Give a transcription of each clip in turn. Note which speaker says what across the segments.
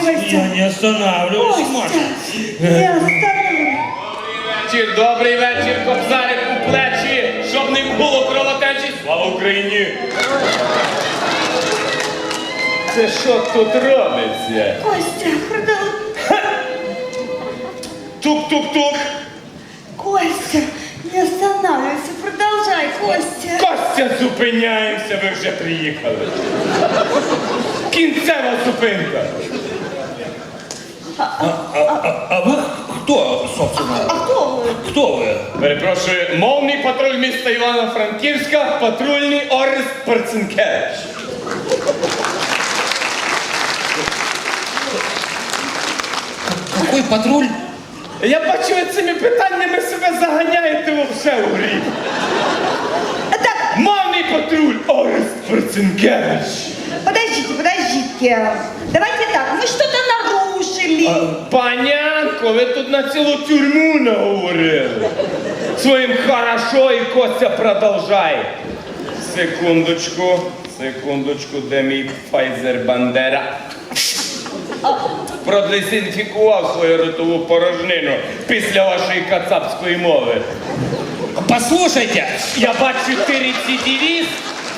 Speaker 1: Костя.
Speaker 2: Я не останавливаюсь, Маша.
Speaker 1: Костя, не остановлюсь.
Speaker 3: Добрий вечір, кобзарик у плечі, щоб не було кровотечі. Слава Україні! Це що тут робиться?
Speaker 1: Костя,
Speaker 3: Тук-тук-тук.
Speaker 1: Костя, не останавливайся, продолжай, Костя.
Speaker 3: Костя, зупиняємося, ви вже приїхали. Кінцева зупинка.
Speaker 2: А вы кто, собственно?
Speaker 1: А кто вы?
Speaker 2: Кто вы?
Speaker 3: Перепрошую, мовний патруль міста Івано-Франківська, патрульний Орест Перцинкевич.
Speaker 2: Какой патруль?
Speaker 3: Я бачу, ви цими питаннями себе заганяєте вовсе у гріх.
Speaker 1: Так,
Speaker 3: Мовний патруль Орест Перцинкевич.
Speaker 1: подождите. Давайте так, вы что-то нарушили.
Speaker 3: Панянко, ви тут на цілу тюрму наговорили. Своїм хорошо і Костя продовжай. Секундочку, де мій Файзер Бандера? Продезінфікував свою ротову порожнину після вашої кацапської мови.
Speaker 2: Послушайте,
Speaker 3: Я бачу, ти рецидивіст.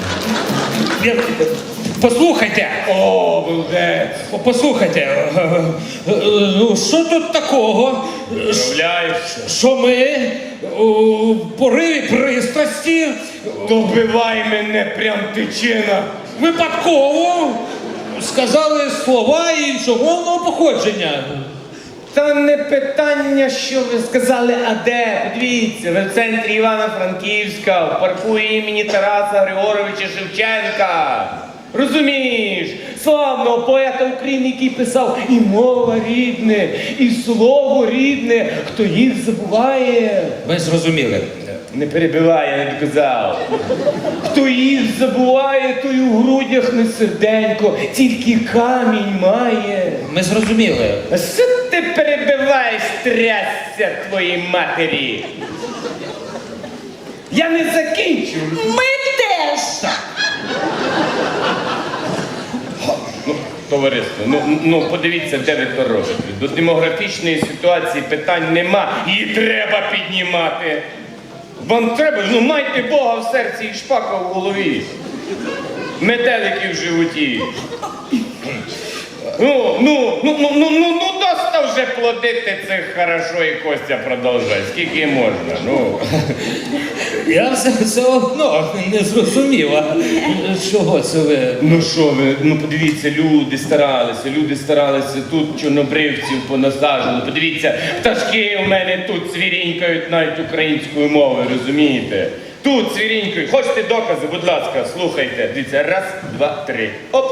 Speaker 2: послухайте,
Speaker 3: О, булдець.
Speaker 2: послухайте, ну що тут такого,
Speaker 3: Уявляєш,
Speaker 2: що ми у пориві пристрасті
Speaker 3: добивай мене прям тичина.
Speaker 2: випадково сказали слова іншомовного походження.
Speaker 3: Та не питання, що ви сказали, а де? Подивіться, ви в центрі Івано-Франківська, в парку імені Тараса Григоровича Шевченка. Розумієш, славного поета України, який писав і мова рідне, і слово рідне, хто їх забуває.
Speaker 2: Ви зрозуміли.
Speaker 3: Не перебивай, я не доказав. Хто їх забуває, той у грудях не серденько, тільки камінь має.
Speaker 2: Ми зрозуміли.
Speaker 3: А що ти перебиваєш, трясся твоїй матері? Я не закінчу.
Speaker 1: Мы теж.
Speaker 3: Товариство, ну подивіться, де ви то робите. До демографічної ситуації питань нема. Її треба піднімати. Вам треба, ну майте Бога в серці і шпака в голові. Метелики в животі. Ну, доста вже плодити це хорошо і Костя продовжує. Скільки можна, ну.
Speaker 2: Я все одно не зрозуміла, чого це ви.
Speaker 3: Ну що ви, ну подивіться, люди старалися, тут чорнобривців понасаджували. Подивіться, пташки у мене тут цвірінькають навіть українською мовою, розумієте? Тут цвірінькають. Хочете докази, будь ласка, слухайте. Дивіться, раз, два, три. Оп.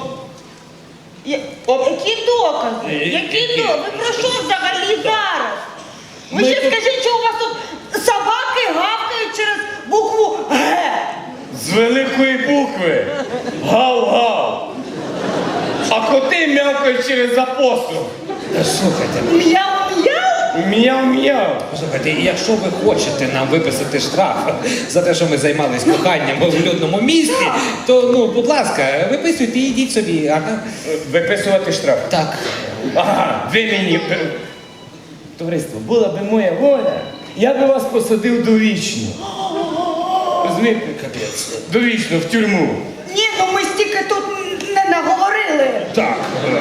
Speaker 1: Які докази? Які докази? Ви про що взагалі зараз? Ви ще скажіть, що у вас тут собаки гавкають через букву Г.
Speaker 3: З великої букви. Гав-гав. А коти м'явкають через апостол.
Speaker 2: Слухайте,
Speaker 1: Мяу-мяу?
Speaker 3: Мяу-мяу.
Speaker 2: послухайте, якщо ви хочете нам виписати штраф за те, що ми займались коханням в людному місті, то, ну, будь ласка, виписуйте і йдіть собі, ага.
Speaker 3: Виписувати штраф.
Speaker 2: Так.
Speaker 3: Ага, ви мені... Товариство, була би моя воля, я би вас посадив довічно. Розумієте?
Speaker 2: Капець.
Speaker 3: Довічно, в тюрму.
Speaker 1: Ні, ну ми стільки тут не наговорили.
Speaker 2: Так.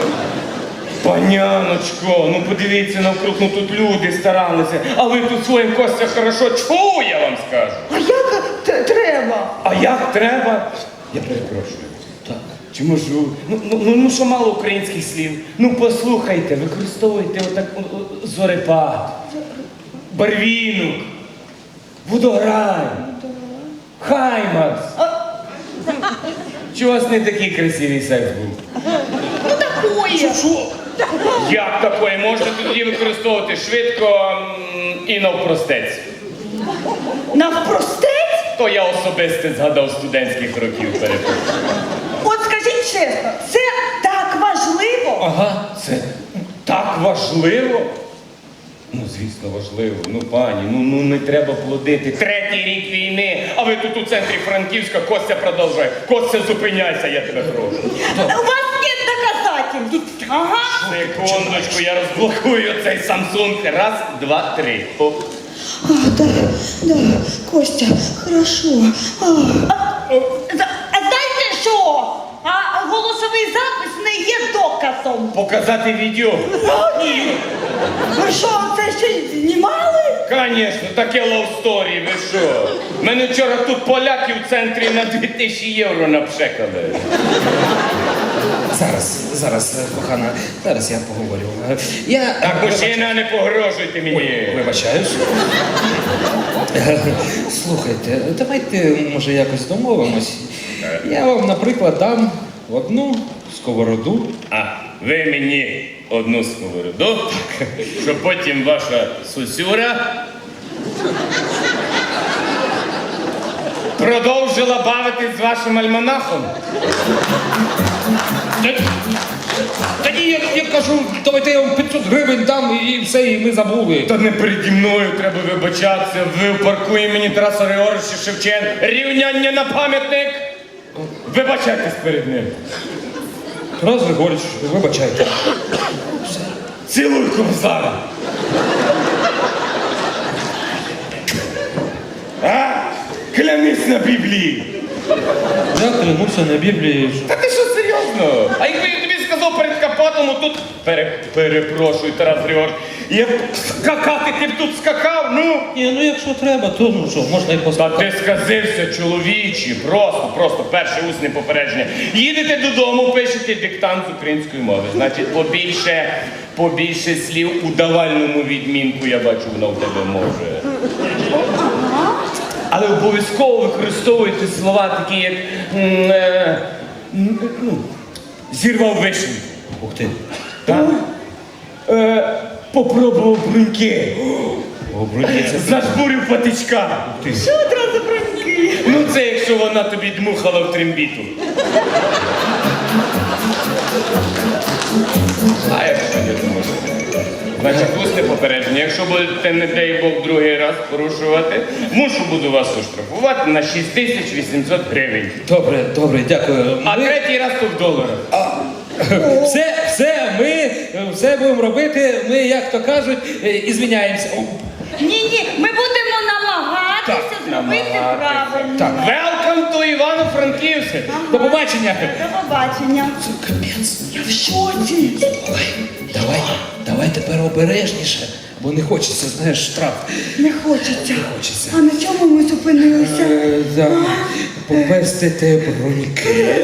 Speaker 3: Паняночко, ну подивіться навкруг, ну тут люди старалися, а ви тут своїм Костя хорошо чу, я вам скажу.
Speaker 1: А як треба?
Speaker 3: А як треба? Я перепрошую. Так. Чи можу? Ну що мало українських слів? Ну послухайте, використовуйте отак зорепад, барвінок, водограй, хаймарс. Чи у вас не такий красивий секс був?
Speaker 1: Ну такое.
Speaker 2: Що?
Speaker 3: Як такої? Можна тоді використовувати швидко і навпростець.
Speaker 1: Навпростець?
Speaker 3: То я особисто згадав студентських років, перепрошую.
Speaker 1: От скажіть чесно, це так важливо?
Speaker 2: Ага.
Speaker 3: Це так важливо? Ну, звісно, важливо. Ну, пані, ну не треба плодити. Третій рік війни, а ви тут у центрі Франківська, Костя продовжує. Костя, зупиняйся, я тебе прошу.
Speaker 1: У вас нет доказательств. Ага.
Speaker 3: Секундочку, я розблокую цей Samsung. Раз, два, три. Оп.
Speaker 1: А, да, Костя, хорошо. А знаєте що? А голосовий запис не є доказом.
Speaker 3: Показати відео?
Speaker 1: Ні. Ви що, це ще й знімали?
Speaker 3: Конечно, таке love story, ви що? Мене вчора тут поляки в центрі на 2000 євро напшекали.
Speaker 2: Зараз, кохана, зараз я поговорю.
Speaker 3: Так, мужчина, не погрожуйте мені.
Speaker 2: Вибачаюсь. Слухайте, давайте, може, якось домовимось. Я вам, наприклад, дам одну сковороду.
Speaker 3: А ви мені одну сковороду, щоб потім ваша сусюра продовжила бавитись з вашим альманахом.
Speaker 2: Тоді я кажу, давайте я вам 500 гривень дам і все, і ми забули.
Speaker 3: Та не переді мною треба вибачатися. Ви в парку імені Тараса Григоровича Шевченка. Рівняння на пам'ятник. Вибачайтесь перед ним.
Speaker 2: Тарас Григорич, вибачайте.
Speaker 3: Цілуй кобзара. А? Клянись на Біблії.
Speaker 2: Я клянуся на Біблії.
Speaker 3: Та ти що, серйозно? А якби я тобі сказав перед капотом, тут... Перепрошую, Тарас Григорович. Я б скакати, ти б тут скакав, ну?
Speaker 2: Ні, ну якщо треба, то ну що, можна і
Speaker 3: Та
Speaker 2: поставити.
Speaker 3: ти сказився, чоловічі, просто перше усне попередження. Їдете додому, пишете диктант з української мови. Значить, побільше слів у давальному відмінку, я бачу, воно в тебе може. Але обов'язково використовуйте слова такі, як зірвав вишню.
Speaker 2: Ух ти.
Speaker 3: Так? Попробував бруньки.
Speaker 2: Обрудіться.
Speaker 3: Зажбурив патичка.
Speaker 1: Що одразу броньки?
Speaker 3: Ну це якщо вона тобі дмухала в трембіту. А якщо не зможете? Значить, усне попередження. Якщо будете, не дай Бог, другий раз порушувати, буду вас оштрафувати на 6800 гривень.
Speaker 2: Добре, дякую.
Speaker 3: А третій раз то в доларах.
Speaker 2: Ми все будемо робити, ми, як то кажуть, і звіняємося.
Speaker 1: Ні, ми будемо намагатися зробити
Speaker 3: намагатися.
Speaker 1: правильно.
Speaker 2: Так.
Speaker 3: Welcome to Івано-Франківськ.
Speaker 2: До побачення.
Speaker 1: До побачення.
Speaker 2: Капець.
Speaker 1: Я в шоці.
Speaker 2: Давай тепер обережніше, бо не хочеться, знаєш, штраф.
Speaker 1: Не хочеться.
Speaker 2: Хочеться.
Speaker 1: А на чому ми зупинилися?
Speaker 2: Попестити броньки.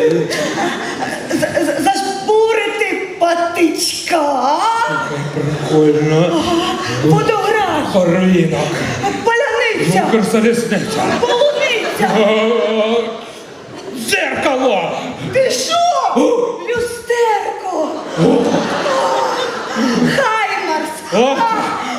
Speaker 1: Зажбурити патичка.
Speaker 2: Прикольно.
Speaker 1: Водограй.
Speaker 2: Хорвінок.
Speaker 1: Паляниця.
Speaker 2: Укрзалізниця.
Speaker 1: Полуниця.
Speaker 2: Дзеркало.
Speaker 1: Ти що? Люстерко. Хаймарс.